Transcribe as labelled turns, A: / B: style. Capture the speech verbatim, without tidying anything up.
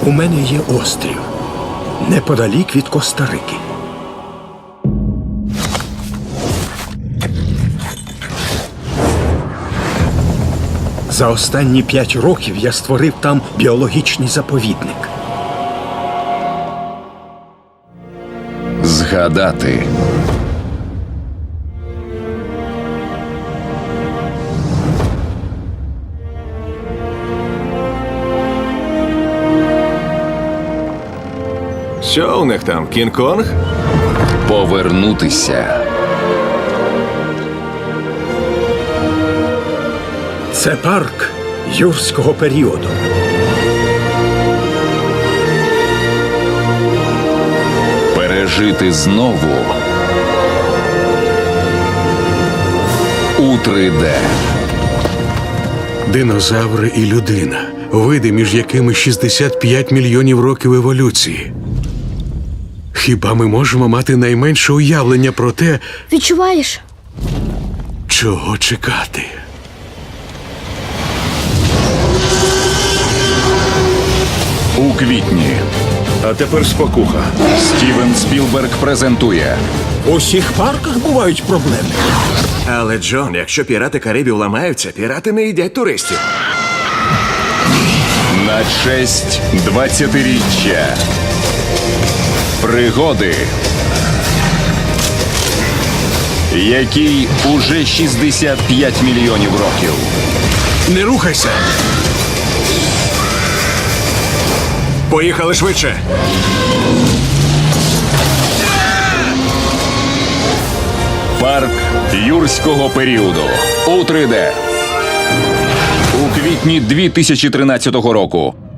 A: У мене є острів неподалік від Коста-Рики. За останні п'ять років я створив там біологічний заповідник.
B: Згадати.
C: Що у них там, Кінг-Конг?
B: Повернутися.
A: Це парк юрського періоду.
B: Пережити знову у три де.
D: Динозаври і людина. Види, між якими шістдесят п'ять мільйонів років еволюції. Хіба ми можемо мати найменше уявлення про те,
E: Відчуваєш?
D: чого чекати?
B: У квітні.
C: А тепер спокуха.
B: Стівен Спілберг презентує
A: У всіх парках бувають проблеми.
C: Але, Джон, якщо пірати Карибів ламаються, пірати не їдять туристів.
B: на честь двадцятиріччя. Пригоди, якій уже шістдесят п'ять мільйонів років.
D: Не рухайся!
C: Поїхали швидше.
B: Парк юрського періоду у три де. У квітні дві тисячі тринадцятого року.